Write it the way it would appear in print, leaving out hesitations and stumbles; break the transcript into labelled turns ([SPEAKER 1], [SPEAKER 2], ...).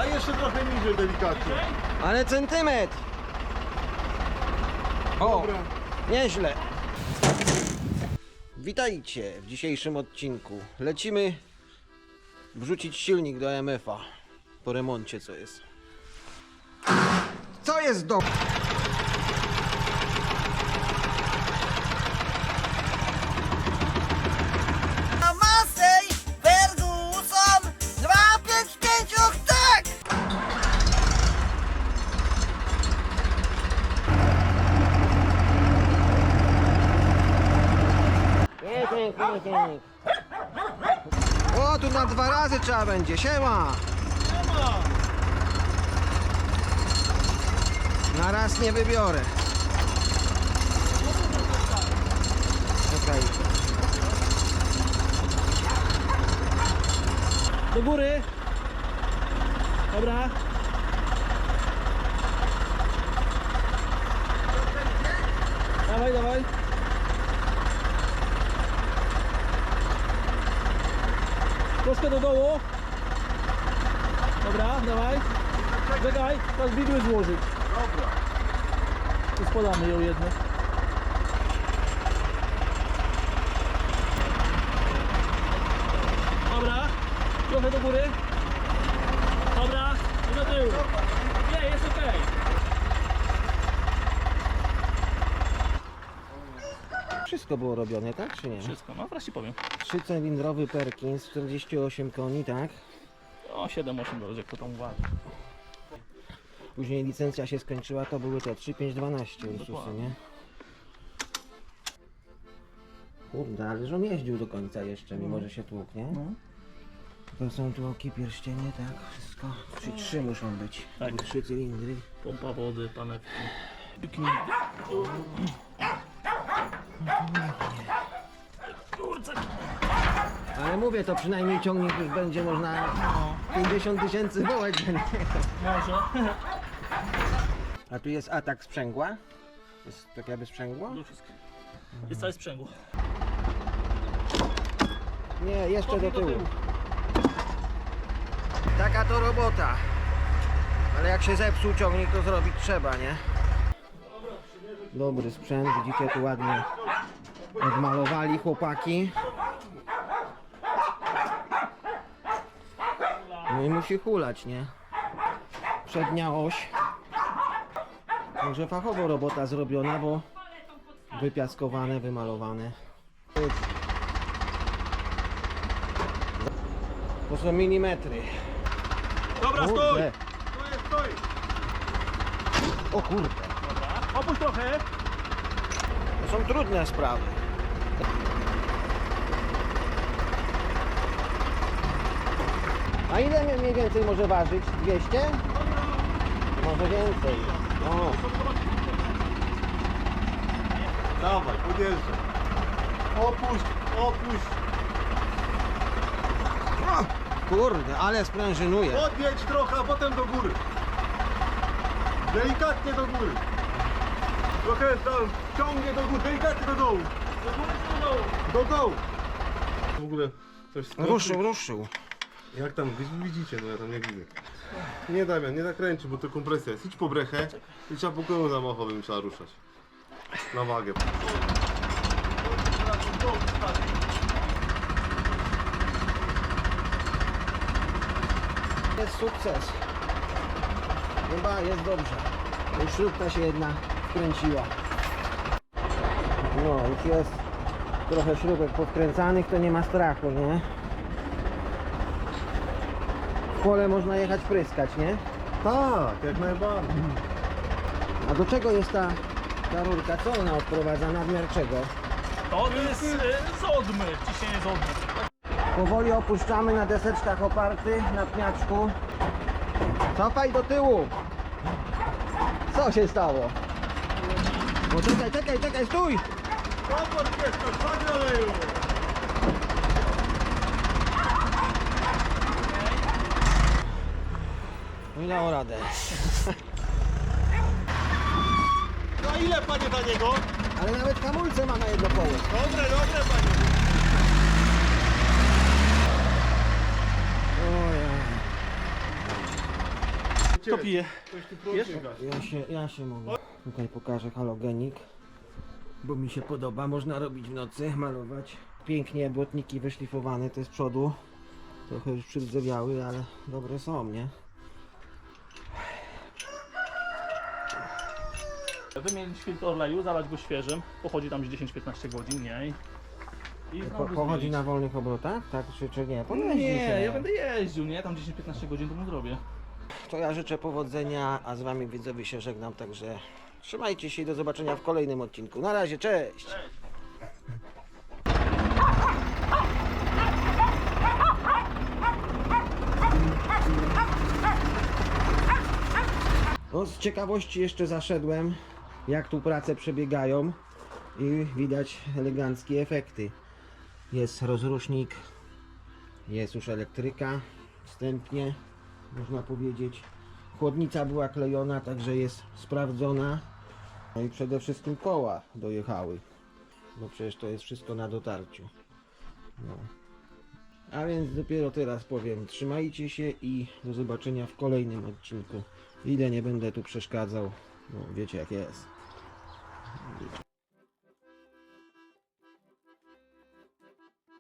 [SPEAKER 1] jeszcze trochę niżej delikatnie.
[SPEAKER 2] Ale centymetr. O,
[SPEAKER 1] Dobra.
[SPEAKER 2] nieźle. Witajcie w dzisiejszym odcinku. Lecimy wrzucić silnik do MF-a po remoncie, co jest. Co jest do...
[SPEAKER 3] Massey, Ferguson, 255, tak!
[SPEAKER 2] O, tu na 2 razy trzeba będzie. Siema! Na raz nie wybiorę. Okej.
[SPEAKER 4] Do góry. Dobra. Dawaj, dawaj. Troszkę do dołu. Dobra, dawaj. Czekaj, teraz widły złożyć.
[SPEAKER 1] Dobra.
[SPEAKER 4] Tu spadamy ją jedno. Dobra, trochę do góry. Dobra, i do tyłu. Nie, jest okej.
[SPEAKER 2] Wszystko było robione, tak czy nie?
[SPEAKER 4] Wszystko, no wreszcie powiem.
[SPEAKER 2] 3-cylindrowy Perkins, 48 koni, tak?
[SPEAKER 4] O, 7-8 dolarów, jak to tam uważa.
[SPEAKER 2] Później licencja się skończyła, to były te 3-5-12 Ursusy,
[SPEAKER 4] Dokładnie.
[SPEAKER 2] nie? Kurde, ale że on jeździł do końca jeszcze, mimo że się tłukł, nie?
[SPEAKER 4] No.
[SPEAKER 2] To są tu oki, pierścienie, tak? Wszystko. Czyli 3 muszą być.
[SPEAKER 4] Tak.
[SPEAKER 2] 3 cylindry.
[SPEAKER 4] Pompa wody, panewki. Kurczę.
[SPEAKER 2] Ale mówię, to przynajmniej ciągnik już będzie można 50 000 wołać za niego.
[SPEAKER 4] Może.
[SPEAKER 2] A tu jest atak sprzęgła? Jest tak jakby sprzęgło?
[SPEAKER 4] Do wszystko. Jest całe sprzęgło.
[SPEAKER 2] Nie, jeszcze do
[SPEAKER 4] Kopnij do
[SPEAKER 2] tyłu.
[SPEAKER 4] tyłu.
[SPEAKER 2] Taka to robota. Ale jak się zepsuł ciągnik, to zrobić trzeba, nie? Dobry sprzęt, widzicie, tu ładnie odmalowali chłopaki. No i musi hulać, nie? Przednia oś. Także fachowo robota zrobiona, bo wypiaskowane, wymalowane. To są milimetry.
[SPEAKER 1] Dobra, stój!
[SPEAKER 2] Kurde.
[SPEAKER 1] Stoi!
[SPEAKER 2] O kurde.
[SPEAKER 4] Dobra. Opuść trochę.
[SPEAKER 2] To są trudne sprawy. A ile mniej więcej może ważyć? 200? Może więcej. O,
[SPEAKER 1] Dawaj, podjeżdżaj. Opuść, opuść.
[SPEAKER 2] kurde, ale sprężynuje.
[SPEAKER 1] Podjedź trochę, a potem do góry. Delikatnie do góry. Trochę tam ciągnie do góry, delikatnie do dołu.
[SPEAKER 4] Do góry czy do dołu?
[SPEAKER 1] Do dołu. W ogóle coś
[SPEAKER 2] Ruszył, ruszył.
[SPEAKER 1] Jak tam, widzicie, no ja tam nie widzę. Nie Damian, nie nakręci, bo to kompresja jest. Idź po brechę i trzeba po koło zamachowym trzeba ruszać. Na wagę.
[SPEAKER 2] Jest sukces. Chyba jest dobrze. Już śrubka się jedna wkręciła. No, już jest trochę śrubek powkręcanych, to nie ma strachu, nie? W pole można jechać pryskać, nie?
[SPEAKER 1] Tak, jak najbardziej.
[SPEAKER 2] A do czego jest ta rurka? Co ona odprowadza? Nadmiar czego?
[SPEAKER 4] To jest z odmy, ciśnienie z odmy.
[SPEAKER 2] Powoli opuszczamy na deseczkach oparty, na pniaczku. Cofaj do tyłu! Co się stało? O, czekaj, stój!
[SPEAKER 1] Komfort jest, to chodź oleju.
[SPEAKER 2] Nie dało radę.
[SPEAKER 1] No ile panie za niego?
[SPEAKER 2] Ale nawet hamulce ma na jedno koło.
[SPEAKER 1] Dobre, panie.
[SPEAKER 2] Ojej.
[SPEAKER 4] Kto pije?
[SPEAKER 1] Ktoś tu prąd nie gasi.
[SPEAKER 2] Ja się mogę. Tutaj pokażę halogenik, bo mi się podoba. Można robić w nocy, malować. Pięknie błotniki wyszlifowane, te z przodu. Trochę już przydzewiały, ale dobre są, nie?
[SPEAKER 4] Wymienić filtr oleju, zalać go świeżym. Pochodzi tam 10-15 godzin, nie? I znowu
[SPEAKER 2] Pochodzi
[SPEAKER 4] zmienić.
[SPEAKER 2] na wolnych obrotach, tak? Czy nie? Pojeździ
[SPEAKER 4] Nie,
[SPEAKER 2] się.
[SPEAKER 4] ja będę jeździł, nie? Tam 10-15 godzin to mu zrobię.
[SPEAKER 2] To ja życzę powodzenia, a z wami widzowie się żegnam, także trzymajcie się i do zobaczenia w kolejnym odcinku. Na razie, cześć! No, z ciekawości jeszcze zaszedłem, jak tu prace przebiegają i widać eleganckie efekty. Jest rozrusznik, jest już elektryka, wstępnie można powiedzieć. Chłodnica była klejona, także jest sprawdzona. No i przede wszystkim koła dojechały, bo przecież to jest wszystko na dotarciu. No. A więc dopiero teraz powiem, trzymajcie się i do zobaczenia w kolejnym odcinku. Ile nie będę tu przeszkadzał, no wiecie jak jest.